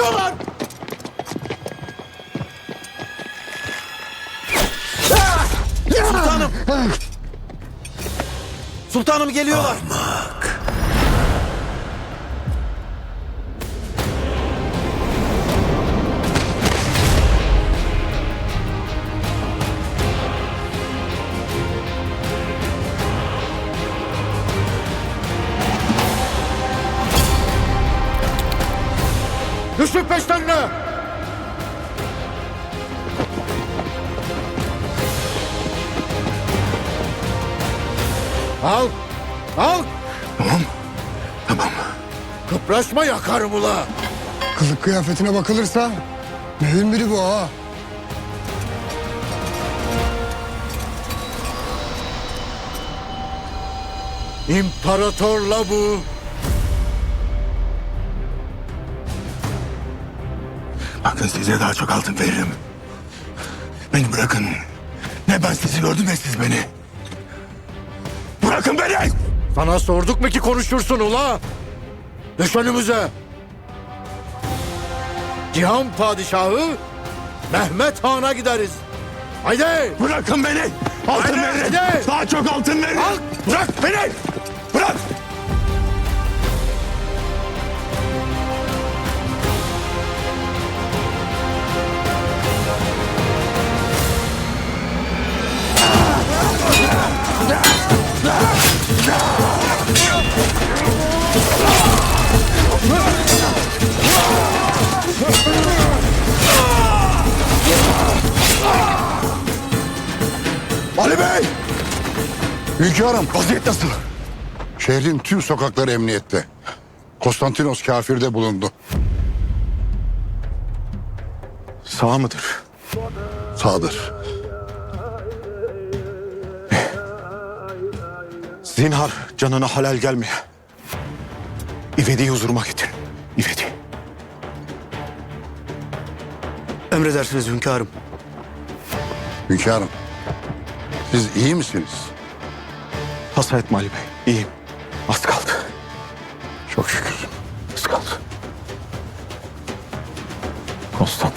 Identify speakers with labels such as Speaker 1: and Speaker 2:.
Speaker 1: Geliyorlar! Sultanım! Sultanım geliyorlar! Düşün peşlerine! Al! Al!
Speaker 2: Tamam.
Speaker 1: Kıpraşma, yakarım ula!
Speaker 3: Kılık kıyafetine bakılırsa mühim biri bu ha.
Speaker 1: İmparatorla bu!
Speaker 2: Bakın size daha çok altın veririm. Beni bırakın. Ne ben sizi gördüm ne siz beni. Bırakın beni!
Speaker 1: Sana sorduk mu ki konuşursun ula? Düş önümüze! Cihan Padişahı Mehmet Han'a gideriz. Haydi!
Speaker 2: Bırakın beni! Altın
Speaker 1: Hadi,
Speaker 2: verin!
Speaker 1: hadi!
Speaker 2: Daha çok altın verin!
Speaker 1: Al!
Speaker 2: Bırak beni! Bırak! Ali Bey!
Speaker 3: Hünkârım,
Speaker 2: Vaziyet nasıl?
Speaker 3: şehrin tüm sokakları emniyette. Konstantinos kafirde bulundu.
Speaker 2: Sağ mıdır?
Speaker 3: Sağdır.
Speaker 2: Zinhar canına halal gelmeye. İvedi'yi huzuruma getirin. İvedi.
Speaker 4: Emredersiniz hünkârım.
Speaker 3: Hünkârım, siz iyi misiniz?
Speaker 2: Hasa etme Ali Bey. İyiyim. Az kaldı.
Speaker 3: Çok şükür.
Speaker 2: Az kaldı. Konstan.